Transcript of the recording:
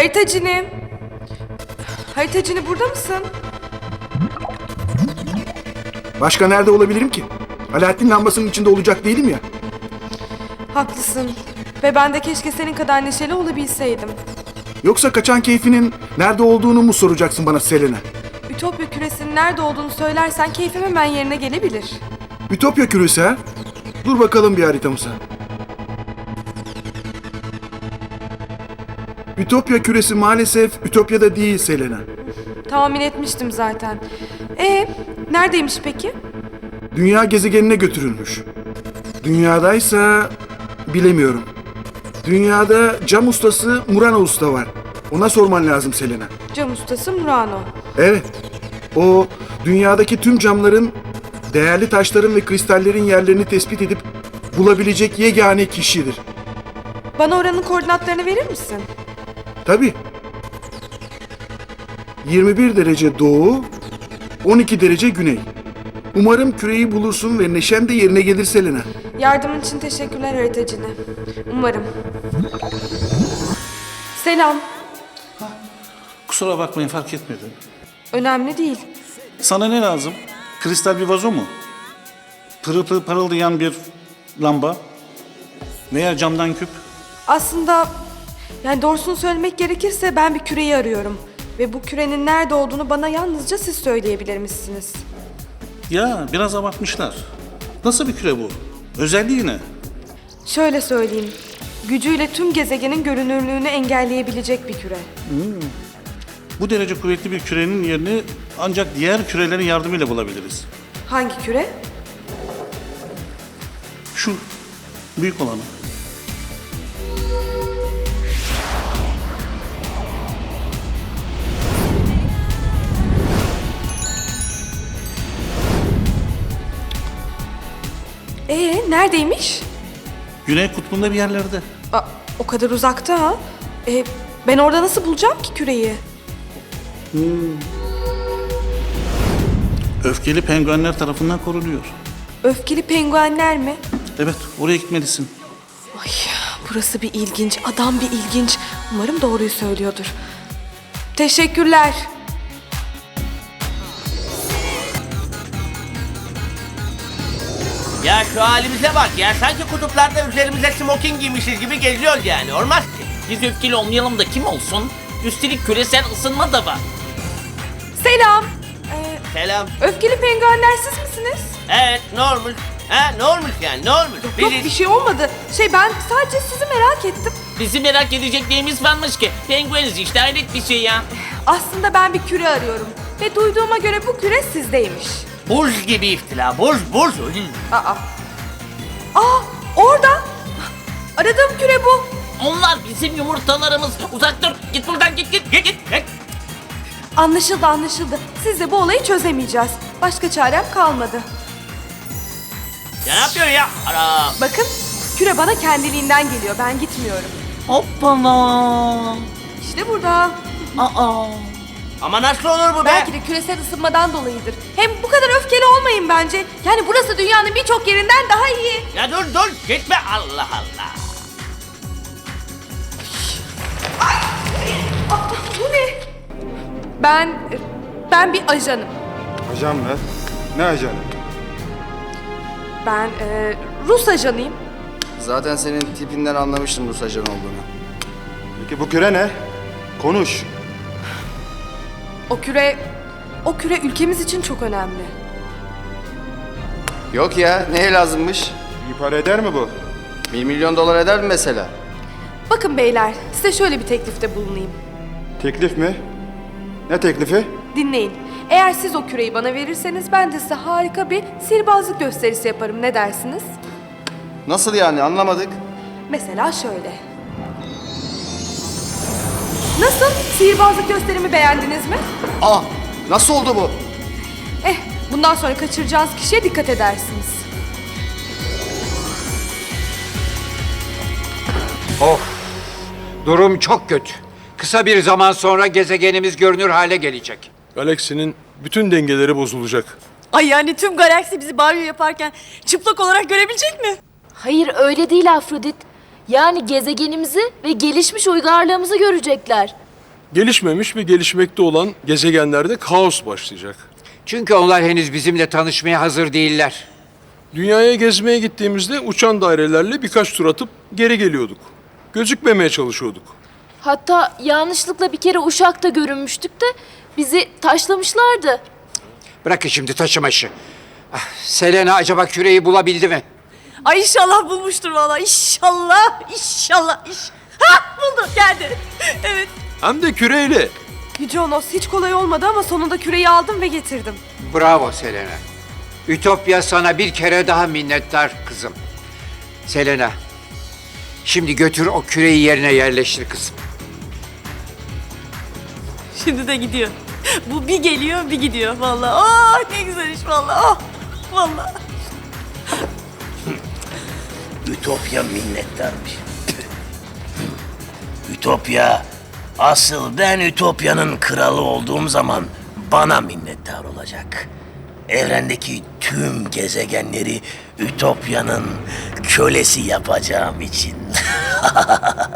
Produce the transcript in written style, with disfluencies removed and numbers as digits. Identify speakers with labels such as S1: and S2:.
S1: Haritacını. Haritacını burada mısın?
S2: Başka nerede olabilirim ki? Alaaddin lambasının içinde olacak değilim ya.
S1: Haklısın. Ve ben de keşke senin kadar neşeli olabilseydim.
S2: Yoksa kaçan keyfinin nerede olduğunu mu soracaksın bana Selena?
S1: Ütopya küresinin nerede olduğunu söylersen keyfim hemen yerine gelebilir.
S2: Ütopya küresi ha? Dur bakalım bir haritamıza. Ütopya küresi maalesef Ütopya'da değil Selena.
S1: Tahmin etmiştim zaten. Neredeymiş peki?
S2: Dünya gezegenine götürülmüş. Dünyadaysa bilemiyorum. Dünyada cam ustası Murano Usta var. Ona sorman lazım Selena.
S1: Cam ustası Murano.
S2: Evet. O dünyadaki tüm camların, değerli taşların ve kristallerin yerlerini tespit edip bulabilecek yegane kişidir.
S1: Bana oranın koordinatlarını verir misin?
S2: Tabii. 21 derece doğu, 12 derece güney. Umarım küreyi bulursun ve neşen de yerine gelir Selena.
S1: Yardımın için teşekkürler haritacını. Umarım. Selam.
S3: Kusura bakmayın, fark etmedim.
S1: Önemli değil.
S3: Sana ne lazım? Kristal bir vazo mu? Pırıl pırıl parıldayan bir lamba? Veya camdan küp?
S1: Aslında doğrusunu söylemek gerekirse ben bir küreyi arıyorum. Ve bu kürenin nerede olduğunu bana yalnızca siz söyleyebilirmişsiniz.
S3: Ya biraz abartmışlar. Nasıl bir küre bu? Özelliği ne?
S1: Şöyle söyleyeyim. Gücüyle tüm gezegenin görünürlüğünü engelleyebilecek bir küre.
S3: Bu derece kuvvetli bir kürenin yerini ancak diğer kürelerin yardımıyla bulabiliriz.
S1: Hangi küre?
S3: Şu büyük olanı.
S1: Neredeymiş?
S3: Güney kutbunda bir yerlerde.
S1: O kadar uzakta ha. Ben orada nasıl bulacağım ki küreyi?
S3: Öfkeli penguenler tarafından korunuyor.
S1: Öfkeli penguenler mi?
S3: Evet, oraya gitmelisin.
S1: Ay, burası bir ilginç, adam bir ilginç. Umarım doğruyu söylüyordur. Teşekkürler.
S4: Ya şu halimize bak ya, sanki kutuplarda üzerimize smoking giymişiz gibi geziyoruz yani, olmaz ki.
S5: Biz öfkeli olmayalım da kim olsun? Üstelik küresel ısınma da var.
S1: Selam.
S4: Selam.
S1: Öfkeli penguenler siz misiniz?
S4: Evet, normal. Ne olmuş yani, ne olmuş?
S1: Yok bir şey olmadı. Ben sadece sizi merak ettim.
S5: Bizi merak edecek neyimiz varmış ki? Pengueniz işte, hayret bir şey ya.
S1: Aslında ben bir küre arıyorum. Ve duyduğuma göre bu küre sizdeymiş.
S4: Buz gibi iftira, buz.
S1: Orada. Aradığım küre bu.
S5: Onlar bizim yumurtalarımız. Uzak dur, git buradan, git.
S1: Anlaşıldı. Sizle bu olayı çözemeyeceğiz. Başka çarem kalmadı.
S4: Ya ne yapıyorsun ya? Ara.
S1: Bakın, küre bana kendiliğinden geliyor. Ben gitmiyorum.
S5: Hoppala.
S1: İşte burada.
S4: Ama nasıl olur bu be?
S1: Belki de küresel ısınmadan dolayıdır. Hem bu kadar öfkeli olmayın bence. Yani burası dünyanın birçok yerinden daha iyi.
S4: Ya dur, gitme, Allah Allah.
S1: Bu ne? Ben bir ajanım.
S6: Ajan mı? Ne ajanı?
S1: Ben Rus ajanıyım.
S7: Zaten senin tipinden anlamıştım Rus ajanı olduğunu.
S6: Peki bu küre ne? Konuş.
S1: O küre ülkemiz için çok önemli.
S7: Yok ya, neye lazımmış?
S6: İyi para eder mi bu?
S7: 1 milyon dolar eder mi mesela?
S1: Bakın beyler, size şöyle bir teklifte bulunayım.
S6: Teklif mi? Ne teklifi?
S1: Dinleyin. Eğer siz o küreyi bana verirseniz ben de size harika bir sihirbazlık gösterisi yaparım. Ne dersiniz?
S7: Nasıl yani, anlamadık.
S1: Mesela şöyle. Nasıl? Sihirbazlık gösterimi beğendiniz mi?
S7: Nasıl oldu bu?
S1: Bundan sonra kaçıracağınız kişiye dikkat edersiniz.
S8: Durum çok kötü. Kısa bir zaman sonra gezegenimiz görünür hale gelecek.
S9: Galaksinin bütün dengeleri bozulacak.
S10: Ay yani tüm galaksi bizi banyo yaparken çıplak olarak görebilecek mi?
S11: Hayır öyle değil Afrodit. Yani gezegenimizi ve gelişmiş uygarlığımızı görecekler.
S9: Gelişmemiş ve gelişmekte olan gezegenlerde kaos başlayacak.
S8: Çünkü onlar henüz bizimle tanışmaya hazır değiller.
S9: Dünyaya gezmeye gittiğimizde uçan dairelerle birkaç tur atıp geri geliyorduk. Gözükmemeye çalışıyorduk.
S10: Hatta yanlışlıkla bir kere Uşak'ta görünmüştük de bizi taşlamışlardı.
S8: Bırakın şimdi taşımaşı. Ah, Selena acaba küreyi bulabildi mi?
S10: Ay inşallah bulmuştur vallahi. İnşallah. Ha buldu geldi. Evet.
S9: Hem de küreyle.
S1: Yüce Onos, hiç kolay olmadı ama sonunda küreyi aldım ve getirdim.
S8: Bravo Selena. Ütopya sana bir kere daha minnettar kızım. Selena, şimdi götür o küreyi yerine yerleştir kızım.
S10: Şimdi de gidiyor. Bu bir geliyor bir gidiyor vallahi. Oh ne güzel iş vallahi. Oh vallahi.
S4: Ütopya minnettarmış. Ütopya, asıl ben Ütopya'nın kralı olduğum zaman bana minnettar olacak. Evrendeki tüm gezegenleri Ütopya'nın kölesi yapacağım için.